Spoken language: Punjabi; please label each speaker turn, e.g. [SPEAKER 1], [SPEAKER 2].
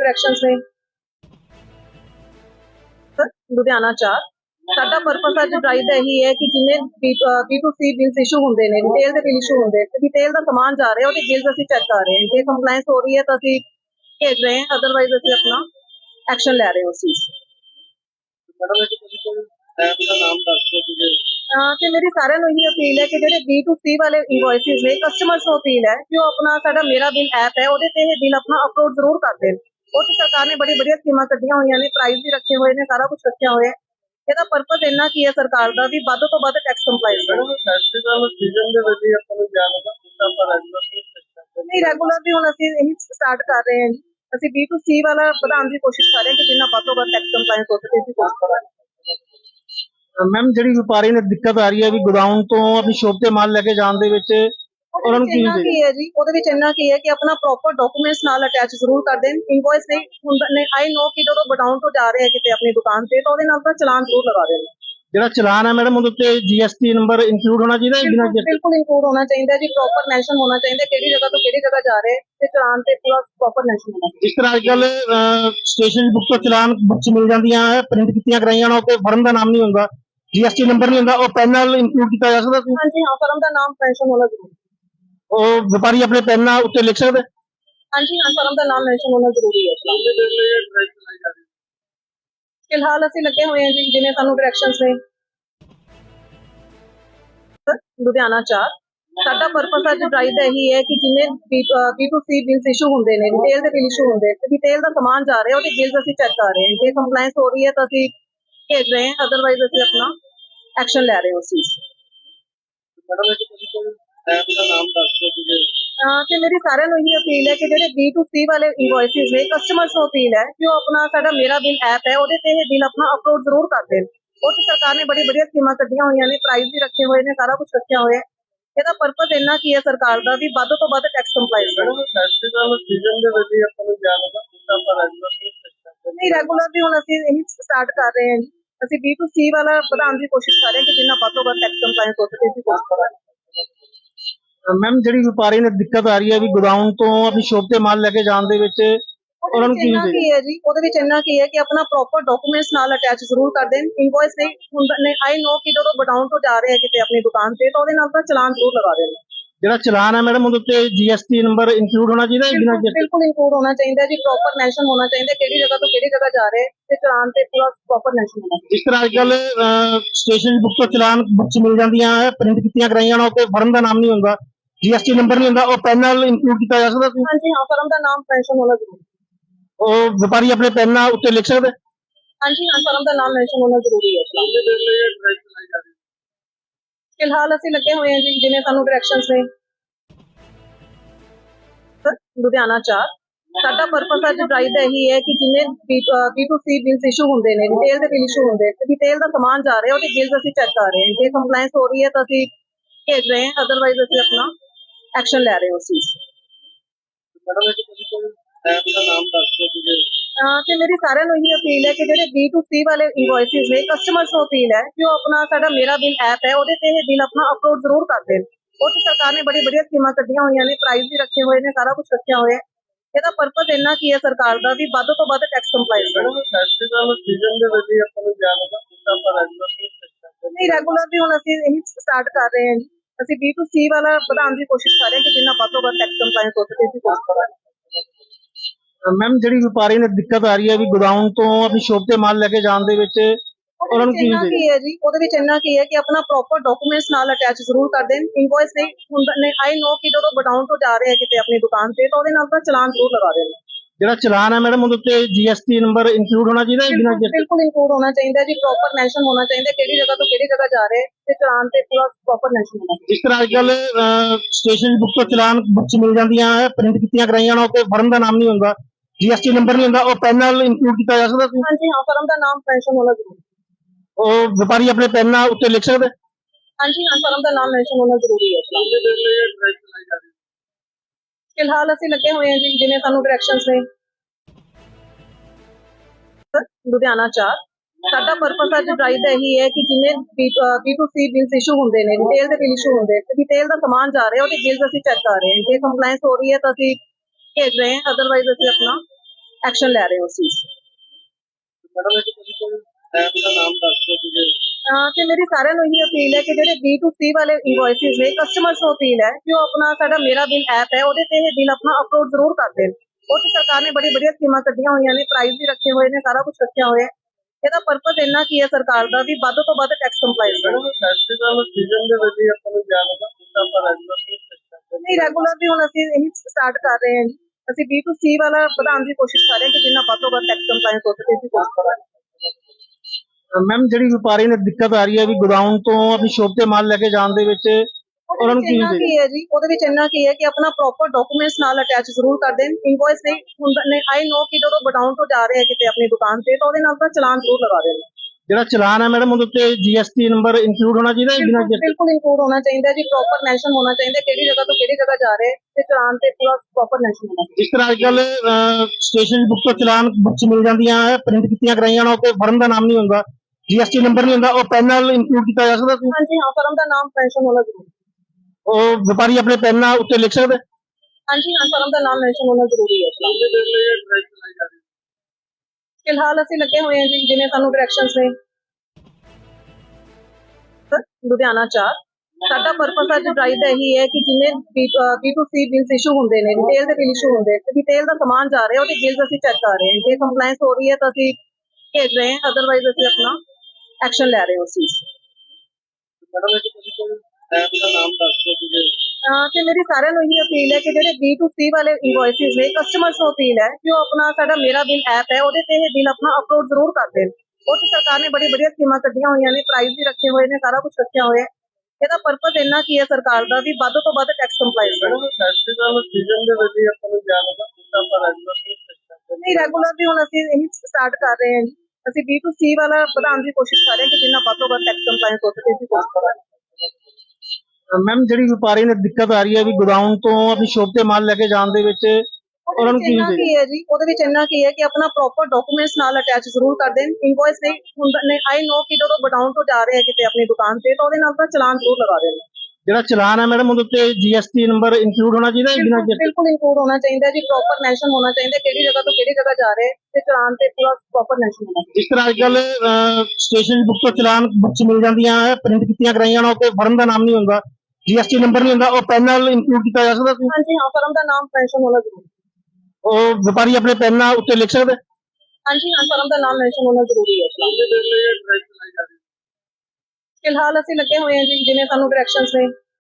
[SPEAKER 1] ਡਾਇਰੈਕਸ਼ਨਸ ਨੇ ਲੁਧਿਆਣਾ 4 ਸਾਡਾ ਪਰਪਸ ਅੱਜ ਡਰਾਈਵ ਦਾ ਇਹੀ ਹੈ ਕਿ ਜਿੰਨੇ B2C ਬਿਲਸ ਇਸ਼ੂ ਹੁੰਦੇ ਨੇ, ਰਿਟੇਲ ਦੇ ਬਿਲ ਇਸ਼ੂ ਹੁੰਦੇ ਤੇ ਰਿਟੇਲ ਦਾ ਸਮਾਨ ਜਾ ਰਿਹਾ ਉਹਦੇ ਬਿਲਸ ਅਸੀਂ ਚੈੱਕ ਕਰ ਰਹੇ ਹਾਂ। ਜੇ ਕੰਪਲਾਈਂਸ ਹੋ ਰਹੀ ਹੈ ਤਾਂ ਅਸੀਂ ਭੇਜ ਰਹੇ ਹਾਂ, ਅਦਰਵਾਈਜ਼ ਅਸੀਂ ਆਪਣਾ ਐਕਸ਼ਨ ਲੈ ਰਹੇ ਹਾਂ ਉਸ ਚੀਜ਼ ਤੇ ਮੇਰੀ ਸਾਰਿਆਂ ਨੂੰ ਇਹੀ ਅਪੀਲ ਹੈ ਕਿ ਜਿਹੜੇ B2C ਵਾਲੇ ਇਨਵੋਇਸਿਸ ਨੇ, ਕਸਟਮਰਸ ਨੂੰ ਅਪੀਲ ਹੈ ਕਿ ਉਹ ਆਪਣਾ ਸਾਡਾ ਮੇਰਾ ਬਿਲ ਐਪ ਹੈ ਉਹਦੇ ਤੇ ਇਹ ਬਿਲ ਆਪਣਾ ਅਪਲੋਡ ਜ਼ਰੂਰ ਕਰ ਦੇਣ। ਉਹ 'ਚ ਸਰਕਾਰ ਨੇ ਬੜੀ ਵਧੀਆ ਸਕੀਮਾਂ ਕੱਢੀਆਂ ਹੋਈਆਂ ਨੇ, ਪ੍ਰਾਈਸ ਵੀ ਰੱਖੇ ਹੋਏ ਨੇ, ਸਾਰਾ ਕੁਝ ਰੱਖਿਆ ਹੋਇਆ। ਇਹਦਾ ਪਰਪਸ ਇੰਨਾ ਕੀ ਹੈ ਸਰਕਾਰ ਦਾ ਵੀ ਵੱਧ ਤੋਂ ਵੱਧ ਟੈਕਸ ਕੰਪਲਾਈਸ ਕਰੋ। ਨਹੀਂ, ਰੈਗੂਲਰ ਵੀ ਹੁਣ ਅਸੀਂ ਇਹੀ ਸਟਾਰਟ ਕਰ ਰਹੇ ਹਾਂ ਜੀ। ਅਸੀਂ B2C ਵਾਲਾ ਵਧਾਉਣ ਦੀ ਕੋਸ਼ਿਸ਼ ਕਰ ਰਹੇ ਹਾਂ ਕਿ ਜਿੰਨਾ ਵੱਧ ਤੋਂ ਵੱਧ ਟੈਕਸ ਕੰਪਲਾਈਸ ਹੋ ਸਕੇ ਅਸੀਂ ਕੋਸ਼ਿਸ਼ ਕਰਾਂਗੇ।
[SPEAKER 2] ਮੈਮ ਜਿਹੜੀ ਵਪਾਰੀ ਨੇ ਦਿੱਕਤ ਆ ਰਹੀ ਹੈ ਵੀ ਗੋਦਾਮ ਤੋਂ ਆਪਣੀ ਸ਼ੋਪ ਤੇ ਮਾਲ ਲੈ ਕੇ ਜਾਣ ਦੇ ਵਿੱਚ ਉਹਨਾਂ ਨੂੰ
[SPEAKER 1] ਇੰਨਾ ਕੀ ਹੈ ਜੀ, ਉਹਦੇ ਵਿੱਚ ਇੰਨਾ ਕੀ ਹੈ ਕਿ ਆਪਣਾ ਪ੍ਰੋਪਰ ਡਾਕੂਮੈਂਟਸ ਨਾਲ ਅਟੈਚ ਜ਼ਰੂਰ ਕਰ ਦੇਣ। ਇਨਵੋਇਸ ਨਹੀਂ ਹੁੰਦਾ ਨੇ, ਆਈ ਨੋ ਕਿ ਜਦੋਂ ਗੋਡਾਊਨ ਤੋਂ ਜਾ ਰਹੇ ਆ ਕਿਤੇ ਆਪਣੀ ਦੁਕਾਨ ਤੇ ਤਾਂ ਉਹਦੇ ਨਾਲ ਤਾਂ ਚਲਾਨ ਜ਼ਰੂਰ ਲਗਾ ਦੇਣ।
[SPEAKER 2] ਜਿਹੜਾ ਚਲਾਨ ਹੈ ਮੈਡਮ ਉਹਦੇ ਉੱਤੇ GST ਨੰਬਰ ਇਨਕਲੂਡ ਹੋਣਾ ਚਾਹੀਦਾ ਹੈ?
[SPEAKER 1] ਬਿਲਕੁਲ ਇਨਕਲੂਡ ਹੋਣਾ ਚਾਹੀਦਾ ਜੀ, ਪ੍ਰੋਪਰ ਮੈਂਸ਼ਨ ਹੋਣਾ ਚਾਹੀਦਾ ਕਿਹੜੀ ਜਗ੍ਹਾ ਤੋਂ ਕਿਹੜੀ ਜਗ੍ਹਾ ਜਾ ਰਹੇ ਤੇ ਚਲਾਨ ਤੇ ਪੂਰਾ ਪ੍ਰੋਪਰ ਮੈਂਸ਼ਨ ਹੋਣਾ ਚਾਹੀਦਾ।
[SPEAKER 2] ਜਿਸ ਤਰ੍ਹਾਂ ਅੱਜਕੱਲ ਸਟੇਸ਼ਨਰੀ ਬੁੱਕ ਤੋਂ ਚਲਾਨ ਬੁੱਕਸ ਮਿਲ ਜਾਂਦੀਆਂ ਹੈ, ਪ੍ਰਿੰਟ ਕੀਤੀਆਂ ਕਰਾਈਆਂ ਨੇ, ਉੱਤੇ ਫਰਮ ਦਾ ਨਾਮ ਨਹੀਂ ਹੁੰਦਾ, GST ਨੰਬਰ ਨਹੀਂ ਹੁੰਦਾ, ਉਹ ਪੈਨ ਨਾਲ ਇਨਕਲੂਡ ਕੀਤਾ ਜਾ ਸਕਦਾ?
[SPEAKER 1] ਹਾਂਜੀ ਹਾਂ, ਫਰਮ ਦਾ ਨਾਮ ਮੈਂਸ਼ਨ ਹੋਣਾ ਜ਼ਰੂਰੀ।
[SPEAKER 2] ਉਹ ਵਪਾਰੀ ਆਪਣੇ ਪੈਨ ਨਾਲ ਉੱਤੇ ਲਿਖ ਸਕਦੇ?
[SPEAKER 1] ਹਾਂਜੀ ਹਾਂ, ਫਰਮ ਦਾ ਨਾਮ ਮੈਂਸ਼ਨ ਹੋਣਾ ਜ਼ਰੂਰੀ ਹੈ। ਫਿਲਹਾਲ ਅਸੀਂ ਲੱਗੇ ਹੋਏ ਹਾਂ ਜੀ, ਜਿਵੇਂ ਸਾਨੂੰ ਡਾਇਰੈਕਸ਼ਨਸ ਨੇ ਲੁਧਿਆਣਾ 4 ਸਾਡਾ ਪਰਪਸ ਅੱਜ ਡਰਾਈਵ ਦਾ ਇਹੀ ਹੈ ਕਿ ਜਿੰਨੇ B2C ਬਿਲਸ ਇਸ਼ੂ ਹੁੰਦੇ ਨੇ, ਰਿਟੇਲ ਦੇ ਬਿਲ ਇਸ਼ੂ ਹੁੰਦੇ ਤੇ ਰਿਟੇਲ ਦਾ ਸਮਾਨ ਜਾ ਰਿਹਾ ਉਹਦੇ ਬਿਲਸ ਅਸੀਂ ਚੈੱਕ ਕਰ ਰਹੇ ਹਾਂ। ਜੇ ਕੰਪਲਾਈਂਸ ਹੋ ਰਹੀ ਹੈ ਤਾਂ ਅਸੀਂ ਭੇਜ ਰਹੇ ਹਾਂ, ਅਦਰਵਾਈਜ਼ ਅਸੀਂ ਆਪਣਾ ਐਕਸ਼ਨ ਲੈ ਰਹੇ ਹਾਂ ਉਸ ਚੀਜ਼ ਤੇ ਮੇਰੀ ਸਾਰਿਆਂ ਨੂੰ ਇਹੀ ਅਪੀਲ ਹੈ ਕਿ ਜਿਹੜੇ B2C ਵਾਲੇ ਇਨਵੋਇਸਿਸ ਨੇ, ਕਸਟਮਰਸ ਨੂੰ ਅਪੀਲ ਹੈ ਕਿ ਉਹ ਆਪਣਾ ਸਾਡਾ ਮੇਰਾ ਬਿਲ ਐਪ ਹੈ ਉਹਦੇ ਤੇ ਇਹ ਬਿਲ ਆਪਣਾ ਅਪਲੋਡ ਜ਼ਰੂਰ ਕਰ ਦੇਣ। ਉਹ 'ਚ ਸਰਕਾਰ ਨੇ ਬੜੀ ਵਧੀਆ ਸਕੀਮਾਂ ਕੱਢੀਆਂ ਹੋਈਆਂ ਨੇ, ਪ੍ਰਾਈਸ ਵੀ ਰੱਖੇ ਹੋਏ ਨੇ, ਸਾਰਾ ਕੁਝ ਰੱਖਿਆ ਹੋਇਆ। ਇਹਦਾ ਪਰਪਸ ਇੰਨਾ ਕੀ ਹੈ ਸਰਕਾਰ ਦਾ ਵੀ ਵੱਧ ਤੋਂ ਵੱਧ ਟੈਕਸ ਕੰਪਲਾਈਸ ਕਰੋ। ਨਹੀਂ, ਰੈਗੂਲਰ ਵੀ ਹੁਣ ਅਸੀਂ ਇਹੀ ਸਟਾਰਟ ਕਰ ਰਹੇ ਹਾਂ ਜੀ। ਅਸੀਂ B2C ਵਾਲਾ ਵਧਾਉਣ ਦੀ ਕੋਸ਼ਿਸ਼ ਕਰ ਰਹੇ ਹਾਂ ਕਿ ਜਿੰਨਾ ਵੱਧ ਤੋਂ ਵੱਧ ਟੈਕਸ ਕੰਪਲਾਈਸ ਹੋ ਸਕੇ ਅਸੀਂ ਕੋਸ਼ਿਸ਼ ਕਰਾਂਗੇ।
[SPEAKER 2] ਮੈਮ ਜਿਹੜੀ ਵਪਾਰੀ ਨੇ ਦਿੱਕਤ ਆ ਰਹੀ ਹੈ ਵੀ ਗੋਦਾਮ ਤੋਂ ਆਪਣੀ ਸ਼ੋਪ ਤੇ ਮਾਲ ਲੈ ਕੇ ਜਾਣ ਦੇ ਵਿੱਚ ਉਹਨਾਂ ਨੂੰ
[SPEAKER 1] ਇੰਨਾ ਕੀ ਹੈ ਜੀ, ਉਹਦੇ ਵਿੱਚ ਇੰਨਾ ਕੀ ਹੈ ਕਿ ਆਪਣਾ ਪ੍ਰੋਪਰ ਡਾਕੂਮੈਂਟਸ ਨਾਲ ਅਟੈਚ ਜ਼ਰੂਰ ਕਰ ਦੇਣ। ਇਨਵੋਇਸ ਨਹੀਂ ਹੁੰਦਾ ਨੇ, ਆਈ ਨੋ ਕਿ ਜਦੋਂ ਗੋਡਾਊਨ ਤੋਂ ਜਾ ਰਹੇ ਆ ਕਿਤੇ ਆਪਣੀ ਦੁਕਾਨ ਤੇ ਤਾਂ ਉਹਦੇ ਨਾਲ ਤਾਂ ਚਲਾਨ ਜ਼ਰੂਰ ਲਗਾ ਦੇਣ।
[SPEAKER 2] ਜਿਹੜਾ ਚਲਾਨ ਹੈ ਮੈਡਮ ਉਹਦੇ ਉੱਤੇ GST ਨੰਬਰ ਇਨਕਲੂਡ ਹੋਣਾ ਚਾਹੀਦਾ ਹੈ?
[SPEAKER 1] ਬਿਲਕੁਲ ਇਨਕਲੂਡ ਹੋਣਾ ਚਾਹੀਦਾ ਜੀ, ਪ੍ਰੋਪਰ ਮੈਂਸ਼ਨ ਹੋਣਾ ਚਾਹੀਦਾ ਕਿਹੜੀ ਜਗ੍ਹਾ ਤੋਂ ਕਿਹੜੀ ਜਗ੍ਹਾ ਜਾ ਰਹੇ ਤੇ ਚਲਾਨ ਤੇ ਪੂਰਾ ਪ੍ਰੋਪਰ ਮੈਂਸ਼ਨ ਹੋਣਾ ਚਾਹੀਦਾ।
[SPEAKER 2] ਜਿਸ ਤਰ੍ਹਾਂ ਅੱਜਕੱਲ ਸਟੇਸ਼ਨਰੀ ਬੁੱਕ ਤੋਂ ਚਲਾਨ ਬੁੱਕਸ ਮਿਲ ਜਾਂਦੀਆਂ ਹੈ, ਪ੍ਰਿੰਟ ਕੀਤੀਆਂ ਕਰਾਈਆਂ ਨੇ, ਉੱਤੇ ਫਰਮ ਦਾ ਨਾਮ ਨਹੀਂ ਹੁੰਦਾ, GST ਨੰਬਰ ਨਹੀਂ ਹੁੰਦਾ, ਉਹ ਪੈਨ ਨਾਲ ਇਨਕਲੂਡ ਕੀਤਾ ਜਾ ਸਕਦਾ?
[SPEAKER 1] ਹਾਂਜੀ ਹਾਂ, ਫਰਮ ਦਾ ਨਾਮ ਮੈਂਸ਼ਨ ਹੋਣਾ ਜ਼ਰੂਰੀ।
[SPEAKER 2] ਉਹ ਵਪਾਰੀ ਆਪਣੇ ਪੈਨ ਨਾਲ ਉੱਤੇ ਲਿਖ ਸਕਦੇ?
[SPEAKER 1] ਹਾਂਜੀ ਹਾਂ, ਫਰਮ ਦਾ ਨਾਮ ਮੈਂਸ਼ਨ ਹੋਣਾ ਜ਼ਰੂਰੀ ਹੈ। ਫਿਲਹਾਲ ਅਸੀਂ ਲੱਗੇ ਹੋਏ ਹਾਂ ਜੀ, ਜਿਵੇਂ ਸਾਨੂੰ ਡਾਇਰੈਕਸ਼ਨਸ ਨੇ ਲੁਧਿਆਣਾ 4 ਸਾਡਾ ਪਰਪਸ ਅੱਜ ਡਰਾਈਵ ਦਾ ਇਹੀ ਹੈ ਕਿ ਜਿੰਨੇ B2C ਬਿਲਸ ਇਸ਼ੂ ਹੁੰਦੇ ਨੇ, ਰਿਟੇਲ ਦੇ ਬਿਲ ਇਸ਼ੂ ਹੁੰਦੇ ਤੇ ਰਿਟੇਲ ਦਾ ਸਮਾਨ ਜਾ ਰਿਹਾ ਉਹਦੇ ਬਿਲਸ ਅਸੀਂ ਚੈੱਕ ਕਰ ਰਹੇ ਹਾਂ। ਜੇ ਕੰਪਲਾਈਂਸ ਹੋ ਰਹੀ ਹੈ ਤਾਂ ਅਸੀਂ ਭੇਜ ਰਹੇ ਹਾਂ, ਅਦਰਵਾਈਜ਼ ਅਸੀਂ ਆਪਣਾ ਐਕਸ਼ਨ ਲੈ ਰਹੇ ਹਾਂ ਉਸ ਚੀਜ਼ ਤੇ ਮੇਰੀ ਸਾਰਿਆਂ ਨੂੰ ਇਹੀ ਅਪੀਲ ਹੈ ਕਿ ਜਿਹੜੇ B2C ਵਾਲੇ ਇਨਵੋਇਸਿਸ ਨੇ, ਕਸਟਮਰਸ ਨੂੰ ਅਪੀਲ ਹੈ ਕਿ ਉਹ ਆਪਣਾ ਸਾਡਾ ਮੇਰਾ ਬਿਲ ਐਪ ਹੈ ਉਹਦੇ ਤੇ ਇਹ ਬਿਲ ਆਪਣਾ ਅਪਲੋਡ ਜ਼ਰੂਰ ਕਰ ਦੇਣ। ਉਹ 'ਚ ਸਰਕਾਰ ਨੇ ਬੜੀ ਵਧੀਆ ਸਕੀਮਾਂ ਕੱਢੀਆਂ ਹੋਈਆਂ ਨੇ, ਪ੍ਰਾਈਸ ਵੀ ਰੱਖੇ ਹੋਏ ਨੇ, ਸਾਰਾ ਕੁਝ ਰੱਖਿਆ ਹੋਇਆ। ਇਹਦਾ ਪਰਪਸ ਇੰਨਾ ਕੀ ਹੈ ਸਰਕਾਰ ਦਾ ਵੀ ਵੱਧ ਤੋਂ ਵੱਧ ਟੈਕਸ ਕੰਪਲਾਈਸ ਕਰੋ। ਨਹੀਂ, ਰੈਗੂਲਰ ਵੀ ਹੁਣ ਅਸੀਂ ਇਹੀ ਸਟਾਰਟ ਕਰ ਰਹੇ ਹਾਂ ਜੀ। ਅਸੀਂ B2C ਵਾਲਾ ਵਧਾਉਣ ਦੀ ਕੋਸ਼ਿਸ਼ ਕਰ ਰਹੇ ਹਾਂ ਕਿ ਜਿੰਨਾ ਵੱਧ ਤੋਂ ਵੱਧ ਟੈਕਸ ਕੰਪਲਾਈਸ ਹੋ ਸਕੇ ਅਸੀਂ ਕੋਸ਼ਿਸ਼ ਕਰਾਂਗੇ।
[SPEAKER 2] ਮੈਮ ਜਿਹੜੀ ਵਪਾਰੀ ਨੇ ਦਿੱਕਤ ਆ ਰਹੀ ਹੈ ਵੀ ਗੋਦਾਮ ਤੋਂ ਆਪਣੀ ਸ਼ੋਪ ਤੇ ਮਾਲ ਲੈ ਕੇ ਜਾਣ ਦੇ ਵਿੱਚ ਉਹਨਾਂ ਨੂੰ
[SPEAKER 1] ਇੰਨਾ ਕੀ ਹੈ ਜੀ, ਉਹਦੇ ਵਿੱਚ ਇੰਨਾ ਕੀ ਹੈ ਕਿ ਆਪਣਾ ਪ੍ਰੋਪਰ ਡਾਕੂਮੈਂਟਸ ਨਾਲ ਅਟੈਚ ਜ਼ਰੂਰ ਕਰ ਦੇਣ। ਇਨਵੋਇਸ ਨਹੀਂ ਹੁੰਦਾ ਨੇ, ਆਈ ਨੋ ਕਿ ਜਦੋਂ ਗੋਡਾਊਨ ਤੋਂ ਜਾ ਰਹੇ ਆ ਕਿਤੇ ਆਪਣੀ ਦੁਕਾਨ ਤੇ ਤਾਂ ਉਹਦੇ ਨਾਲ ਤਾਂ ਚਲਾਨ ਜ਼ਰੂਰ ਲਗਾ ਦੇਣ।
[SPEAKER 2] ਜਿਹੜਾ ਚਲਾਨ ਹੈ ਮੈਡਮ ਉਹਦੇ ਉੱਤੇ GST ਨੰਬਰ ਇਨਕਲੂਡ ਹੋਣਾ ਚਾਹੀਦਾ ਹੈ?
[SPEAKER 1] ਬਿਲਕੁਲ ਇਨਕਲੂਡ ਹੋਣਾ ਚਾਹੀਦਾ ਜੀ, ਪ੍ਰੋਪਰ ਮੈਂਸ਼ਨ ਹੋਣਾ ਚਾਹੀਦਾ ਕਿਹੜੀ ਜਗ੍ਹਾ ਤੋਂ ਕਿਹੜੀ ਜਗ੍ਹਾ ਜਾ ਰਹੇ ਤੇ ਚਲਾਨ ਤੇ ਪੂਰਾ ਪ੍ਰੋਪਰ ਮੈਂਸ਼ਨ ਹੋਣਾ ਚਾਹੀਦਾ।
[SPEAKER 2] ਜਿਸ ਤਰ੍ਹਾਂ ਅੱਜਕੱਲ ਸਟੇਸ਼ਨਰੀ ਬੁੱਕ ਤੋਂ ਚਲਾਨ ਬੁੱਕਸ ਮਿਲ ਜਾਂਦੀਆਂ ਹੈ, ਪ੍ਰਿੰਟ ਕੀਤੀਆਂ ਕਰਾਈਆਂ ਨੇ, ਉੱਤੇ ਫਰਮ ਦਾ ਨਾਮ ਨਹੀਂ ਹੁੰਦਾ, GST ਨੰਬਰ ਨਹੀਂ ਹੁੰਦਾ, ਉਹ ਪੈਨ ਨਾਲ ਇਨਕਲੂਡ ਕੀਤਾ ਜਾ ਸਕਦਾ?
[SPEAKER 1] ਹਾਂਜੀ ਹਾਂ, ਫਰਮ ਦਾ ਨਾਮ ਮੈਂਸ਼ਨ ਹੋਣਾ ਜ਼ਰੂਰੀ।
[SPEAKER 2] ਉਹ ਵਪਾਰੀ ਆਪਣੇ ਪੈਨ ਨਾਲ ਉੱਤੇ ਲਿਖ ਸਕਦੇ?
[SPEAKER 1] ਹਾਂਜੀ ਹਾਂ, ਫਰਮ ਦਾ ਨਾਮ ਮੈਂਸ਼ਨ ਹੋਣਾ ਜ਼ਰੂਰੀ ਹੈ। ਫਿਲਹਾਲ ਅਸੀਂ ਲੱਗੇ ਹੋਏ ਹਾਂ ਜੀ, ਜਿਵੇਂ ਸਾਨੂੰ ਡਾਇਰੈਕਸ਼ਨਸ ਨੇ ਲੁਧਿਆਣਾ 4 ਸਾਡਾ ਪਰਪਸ ਅੱਜ ਡਰਾਈਵ ਦਾ ਇਹੀ ਹੈ ਕਿ ਜਿੰਨੇ B2C ਬਿਲਸ ਇਸ਼ੂ ਹੁੰਦੇ ਨੇ, ਰਿਟੇਲ ਦੇ ਬਿਲ ਇਸ਼ੂ ਹੁੰਦੇ ਤੇ ਰਿਟੇਲ ਦਾ ਸਮਾਨ ਜਾ ਰਿਹਾ ਉਹਦੇ ਬਿਲਸ ਅਸੀਂ ਚੈੱਕ ਕਰ ਰਹੇ ਹਾਂ। ਜੇ ਕੰਪਲਾਈਂਸ ਹੋ ਰਹੀ ਹੈ ਤਾਂ ਅਸੀਂ ਭੇਜ ਰਹੇ ਹਾਂ, ਅਦਰਵਾਈਜ਼ ਅਸੀਂ ਆਪਣਾ ਐਕਸ਼ਨ ਲੈ ਰਹੇ ਹਾਂ ਉਸ ਚੀਜ਼ 'ਤੇ।
[SPEAKER 2] ਮੈਡਮ ਇਹ ਤੁਸੀਂ ਕੋਈ ਐਪ ਦਾ ਨਾਮ ਦੱਸ ਦਿਓ ਜੀ।
[SPEAKER 1] ਤੇ ਮੇਰੀ ਸਾਰਿਆਂ ਨੂੰ ਇਹੀ ਅਪੀਲ ਹੈ ਕਿ ਜਿਹੜੇ B2C ਵਾਲੇ ਇਨਵੋਇਸਿਸ ਨੇ ਕਸਟਮਰਸ ਨੂੰ ਅਪੀਲ ਹੈ ਕਿ ਉਹ ਆਪਣਾ ਸਾਡਾ ਮੇਰਾ ਬਿੱਲ ਐਪ ਹੈ ਉਹਦੇ ਤੇ ਇਹ ਬਿੱਲ ਆਪਣਾ ਅਪਲੋਡ ਜ਼ਰੂਰ ਕਰ ਦੇਣ। ਉਹ 'ਚ ਸਰਕਾਰ ਨੇ ਬੜੀ ਵਧੀਆ ਸਕੀਮਾਂ ਕੱਢੀਆਂ ਹੋਈਆਂ ਨੇ, ਪ੍ਰਾਈਸ ਵੀ ਰੱਖੇ ਹੋਏ ਨੇ, ਸਾਰਾ ਕੁਝ ਰੱਖਿਆ ਹੋਇਆ ਹੈ। ਇਹਦਾ ਪਰਪਸ ਇੰਨਾ ਕੀ ਹੈ ਸਰਕਾਰ ਦਾ ਵੀ ਵੱਧ ਤੋਂ ਵੱਧ ਟੈਕਸ ਕੰਪਲਾਈਸ ਕਰੋ।
[SPEAKER 2] ਫੈਸਟੀਵਲ ਸੀਜ਼ਨ ਦੇ ਵਿੱਚ ਆਪਾਂ ਨੂੰ ਜ਼ਿਆਦਾ ਆਪਾਂ ਰੈਗੂਲਰ
[SPEAKER 1] ਨਹੀਂ ਰੈਗੂਲਰ ਵੀ ਹੁਣ ਅਸੀਂ ਇਹੀ ਸਟਾਰਟ ਕਰ ਰਹੇ ਹਾਂ ਜੀ। ਅਸੀਂ B2C ਵਾਲਾ ਵਧਾਉਣ ਦੀ ਕੋਸ਼ਿਸ਼ ਕਰ ਰਹੇ ਹਾਂ ਕਿ ਜਿੰਨਾ ਵੱਧ ਤੋਂ ਵੱਧ ਟੈਕਸ ਕੰਪਲਾਈਸ ਹੋ ਸਕੇ ਅਸੀਂ ਕੋਸ਼ਿਸ਼ ਕਰਾਂਗੇ।
[SPEAKER 2] ਮੈਮ ਜਿਹੜੀ ਵਪਾਰੀ ਨੂੰ ਦਿੱਕਤ ਆ ਰਹੀ ਹੈ ਵੀ ਗੋਦਾਮ ਤੋਂ ਆਪਣੀ ਸ਼ੋਪ ਤੇ ਮਾਲ ਲੈ ਕੇ ਜਾਣ ਦੇ ਵਿੱਚ ਉਹਨਾਂ ਨੂੰ
[SPEAKER 1] ਇੰਨਾ ਕੀ ਹੈ ਜੀ, ਉਹਦੇ ਵਿੱਚ ਇੰਨਾ ਕੀ ਹੈ ਕਿ ਆਪਣਾ ਪ੍ਰੋਪਰ ਡਾਕੂਮੈਂਟਸ ਨਾਲ ਅਟੈਚ ਜ਼ਰੂਰ ਕਰ ਦੇਣ। ਇਨਵੋਇਸ ਨਹੀਂ ਹੁੰਦਾ ਨੇ, ਆਈ ਨੋ ਕਿ ਜਦੋਂ ਗੋਡਾਊਨ ਤੋਂ ਜਾ ਰਹੇ ਆ ਕਿਤੇ ਆਪਣੀ ਦੁਕਾਨ ਤੇ ਤਾਂ ਉਹਦੇ ਨਾਲ ਤਾਂ ਚਲਾਨ ਜ਼ਰੂਰ ਲਗਾ ਦੇਣ।
[SPEAKER 2] ਜਿਹੜਾ ਚਲਾਨ ਹੈ ਮੈਡਮ ਉਹਦੇ ਉੱਤੇ GST ਨੰਬਰ ਇਨਕਲੂਡ ਹੋਣਾ ਚਾਹੀਦਾ ਹੈ ਬਿਨਾਂ GST?
[SPEAKER 1] ਬਿਲਕੁਲ ਇਨਕਲੂਡ ਹੋਣਾ ਚਾਹੀਦਾ ਜੀ, ਪ੍ਰੋਪਰ ਮੈਂਸ਼ਨ ਹੋਣਾ ਚਾਹੀਦਾ ਕਿਹੜੀ ਜਗ੍ਹਾ ਤੋਂ ਕਿਹੜੀ ਜਗ੍ਹਾ ਜਾ ਰਹੇ ਤੇ ਚਲਾਨ ਤੇ ਪੂਰਾ ਪ੍ਰੋਪਰ ਮੈਂਸ਼ਨ ਹੋਣਾ ਚਾਹੀਦਾ।
[SPEAKER 2] ਜਿਸ ਤਰ੍ਹਾਂ ਅੱਜਕੱਲ ਸਟੇਸ਼ਨ ਬੁੱਕ ਤੋਂ ਚਲਾਨ ਬੁੱਕਸ ਮਿਲ ਜਾਂਦੀਆਂ ਹੈ, ਪ੍ਰਿੰਟ ਕੀਤੀਆਂ ਕਰਾਈਆਂ ਨੇ, ਉੱਤੇ ਫਰਮ ਦਾ ਨਾਮ ਨਹੀਂ ਹੁੰਦਾ, GST ਨੰਬਰ ਨਹੀਂ ਹੁੰਦਾ, ਉਹ ਪੈਨ ਨਾਲ ਇਨਕਲੂਡ ਕੀਤਾ ਜਾ ਸਕਦਾ ਸੀ।
[SPEAKER 1] ਹਾਂਜੀ ਹਾਂ, ਫਰਮ ਦਾ ਨਾਮ ਮੈਂਸ਼ਨ ਹੋਣਾ ਜ਼ਰੂਰੀ।
[SPEAKER 2] ਉਹ ਵਪਾਰੀ ਆਪਣੇ ਪੈਨ ਨਾਲ ਉੱਤੇ ਲਿਖ ਸਕਦਾ।
[SPEAKER 1] ਹਾਂਜੀ ਹਾਂ, ਫਰਮ ਦਾ ਨਾਮ ਮੈਂਸ਼ਨ ਹੋਣਾ ਜ਼ਰੂਰੀ ਹੈ। ਫਿਲਹਾਲ ਅਸੀਂ ਲੱਗੇ ਹੋਏ ਹਾਂ ਜੀ, ਜਿਵੇਂ ਸਾਨੂੰ ਡਾਇਰੈਕਸ਼ਨਸ ਨੇ। ਲੁਧਿਆਣਾ 4 ਸਾਡਾ ਪਰਪਸ ਅੱਜ ਡਰਾਈਵ ਦਾ ਇਹੀ ਹੈ ਕਿ ਜਿੰਨੇ B2C ਬਿਲਸ ਇਸ਼ੂ ਹੁੰਦੇ ਨੇ, ਡਿਟੇਲ ਦੇ ਬਿਲ ਇਸ਼ੂ ਹੁੰਦੇ ਤੇ ਡਿਟੇਲ ਦਾ ਸਮਾਨ ਜਾ ਰਿਹਾ ਉਹਦੇ ਬਿਲਸ ਅਸੀਂ ਚੈੱਕ ਕਰ ਰਹੇ ਹਾਂ। ਜੇ ਕੰਪਲਾਈਂਸ ਹੋ ਰਹੀ ਹੈ ਤਾਂ ਅਸੀਂ ਭੇਜ ਰਹੇ ਹਾਂ, ਅਦਰਵਾਈਜ਼ ਅਸੀਂ ਆਪਣਾ ਐਕਸ਼ਨ ਲੈ ਰਹੇ ਹਾਂ ਉਸ ਚੀਜ਼ 'ਤੇ।
[SPEAKER 2] ਮੈਡਮ ਇਹ ਤੁਸੀਂ ਕੋਈ ਐਪ ਦਾ ਨਾਮ ਦੱਸ ਦਿਓ ਜੀ।
[SPEAKER 1] ਤੇ ਮੇਰੀ ਸਾਰਿਆਂ ਨੂੰ ਇਹੀ ਅਪੀਲ ਹੈ ਕਿ ਜਿਹੜੇ B2C ਵਾਲੇ ਇਨਵੋਇਸਿਸ ਨੇ ਕਸਟਮਰਸ ਨੂੰ ਅਪੀਲ ਹੈ ਕਿ ਉਹ ਆਪਣਾ ਸਾਡਾ ਮੇਰਾ ਬਿੱਲ ਐਪ ਹੈ ਉਹਦੇ ਤੇ ਇਹ ਬਿੱਲ ਆਪਣਾ ਅਪਲੋਡ ਜ਼ਰੂਰ ਕਰ ਦੇਣ। ਉਹ 'ਚ ਸਰਕਾਰ ਨੇ ਬੜੀ ਵਧੀਆ ਸਕੀਮਾਂ ਕੱਢੀਆਂ ਹੋਈਆਂ ਨੇ, ਪ੍ਰਾਈਸ ਵੀ ਰੱਖੇ ਹੋਏ ਨੇ, ਸਾਰਾ ਕੁਝ ਰੱਖਿਆ ਹੋਇਆ ਹੈ। ਇਹਦਾ ਪਰਪਸ ਇੰਨਾ ਕੀ ਹੈ ਸਰਕਾਰ ਦਾ ਵੀ ਵੱਧ ਤੋਂ ਵੱਧ ਟੈਕਸ ਕੰਪਲਾਈਸ ਕਰੋ।
[SPEAKER 2] ਫੈਸਟੀਵਲ ਸੀਜ਼ਨ ਦੇ ਵਿੱਚ ਆਪਾਂ ਨੂੰ ਜ਼ਿਆਦਾ ਆਪਾਂ ਰੈਗੂਲਰ
[SPEAKER 1] ਨਹੀਂ ਰੈਗੂਲਰ ਵੀ ਹੁਣ ਅਸੀਂ ਇਹੀ ਸਟਾਰਟ ਕਰ ਰਹੇ ਹਾਂ ਜੀ। ਅਸੀਂ B2C ਵਾਲਾ ਵਧਾਉਣ ਦੀ ਕੋਸ਼ਿਸ਼ ਕਰ ਰਹੇ ਹਾਂ ਕਿ ਜਿੰਨਾ ਵੱਧ ਤੋਂ ਵੱਧ ਟੈਕਸ ਕੰਪਲਾਈਸ ਹੋ ਸਕੇ ਅਸੀਂ ਕੋਸ਼ਿਸ਼ ਕਰਾਂਗੇ।
[SPEAKER 2] ਮੈਮ ਜਿਹੜੀ ਵਪਾਰੀ ਨੂੰ ਦਿੱਕਤ ਆ ਰਹੀ ਹੈ ਵੀ ਗੋਦਾਮ ਤੋਂ ਆਪਣੀ ਸ਼ੋਪ ਤੇ ਮਾਲ ਲੈ ਕੇ ਜਾਣ ਦੇ ਵਿੱਚ ਉਹਨਾਂ ਨੂੰ
[SPEAKER 1] ਇੰਨਾ ਕੀ ਹੈ ਜੀ, ਉਹਦੇ ਵਿੱਚ ਇੰਨਾ ਕੀ ਹੈ ਕਿ ਆਪਣਾ ਪ੍ਰੋਪਰ ਡਾਕੂਮੈਂਟਸ ਨਾਲ ਅਟੈਚ ਜ਼ਰੂਰ ਕਰ ਦੇਣ। ਇਨਵੋਇਸ ਨਹੀਂ ਹੁੰਦਾ ਨੇ, ਆਈ ਨੋ ਕਿ ਜਦੋਂ ਗੋਡਾਊਨ ਤੋਂ ਜਾ ਰਹੇ ਆ ਕਿਤੇ ਆਪਣੀ ਦੁਕਾਨ ਤੇ ਤਾਂ ਉਹਦੇ ਨਾਲ ਤਾਂ ਚਲਾਨ ਜ਼ਰੂਰ ਲਗਾ ਦੇਣ।
[SPEAKER 2] ਜਿਹੜਾ ਚਲਾਨ ਹੈ ਮੈਡਮ ਉਹਦੇ ਉੱਤੇ GST ਨੰਬਰ ਇਨਕਲੂਡ ਹੋਣਾ ਚਾਹੀਦਾ ਹੈ ਬਿਨਾਂ GST?
[SPEAKER 1] ਬਿਲਕੁਲ ਇਨਕਲੂਡ ਹੋਣਾ ਚਾਹੀਦਾ ਜੀ, ਪ੍ਰੋਪਰ ਮੈਂਸ਼ਨ ਹੋਣਾ ਚਾਹੀਦਾ ਕਿਹੜੀ ਜਗ੍ਹਾ ਤੋਂ ਕਿਹੜੀ ਜਗ੍ਹਾ ਜਾ ਰਹੇ ਤੇ ਚਲਾਨ ਤੇ ਪੂਰਾ ਪ੍ਰੋਪਰ ਮੈਂਸ਼ਨ ਹੋਣਾ ਚਾਹੀਦਾ।
[SPEAKER 2] ਜਿਸ ਤਰ੍ਹਾਂ ਅੱਜਕੱਲ ਸਟੇਸ਼ਨ ਬੁੱਕ ਤੋਂ ਚਲਾਨ ਬੁੱਕਸ ਮਿਲ ਜਾਂਦੀਆਂ ਹੈ, ਪ੍ਰਿੰਟ ਕੀਤੀਆਂ ਕਰਾਈਆਂ ਨੇ, ਉੱਤੇ ਫਰਮ ਦਾ ਨਾਮ ਨਹੀਂ ਹੁੰਦਾ, GST ਨੰਬਰ ਨਹੀਂ ਹੁੰਦਾ, ਉਹ ਪੈਨ ਨਾਲ ਇਨਕਲੂਡ ਕੀਤਾ ਜਾ ਸਕਦਾ ਸੀ।
[SPEAKER 1] ਹਾਂਜੀ ਹਾਂ, ਫਰਮ ਦਾ ਨਾਮ ਮੈਂਸ਼ਨ ਹੋਣਾ ਜ਼ਰੂਰੀ।
[SPEAKER 2] ਉਹ ਵਪਾਰੀ ਆਪਣੇ ਪੈਨ ਨਾਲ ਉੱਤੇ ਲਿਖ ਸਕਦਾ।
[SPEAKER 1] ਹਾਂਜੀ ਹਾਂ, ਫਰਮ ਦਾ ਨਾਮ ਮੈਂਸ਼ਨ ਹੋਣਾ ਜ਼ਰੂਰੀ ਹੈ। ਫਿਲਹਾਲ ਅਸੀਂ ਲੱਗੇ ਹੋਏ ਹਾਂ ਜੀ, ਜਿਵੇਂ ਸਾਨੂੰ ਡਾਇਰੈਕਸ਼ਨਸ ਨੇ।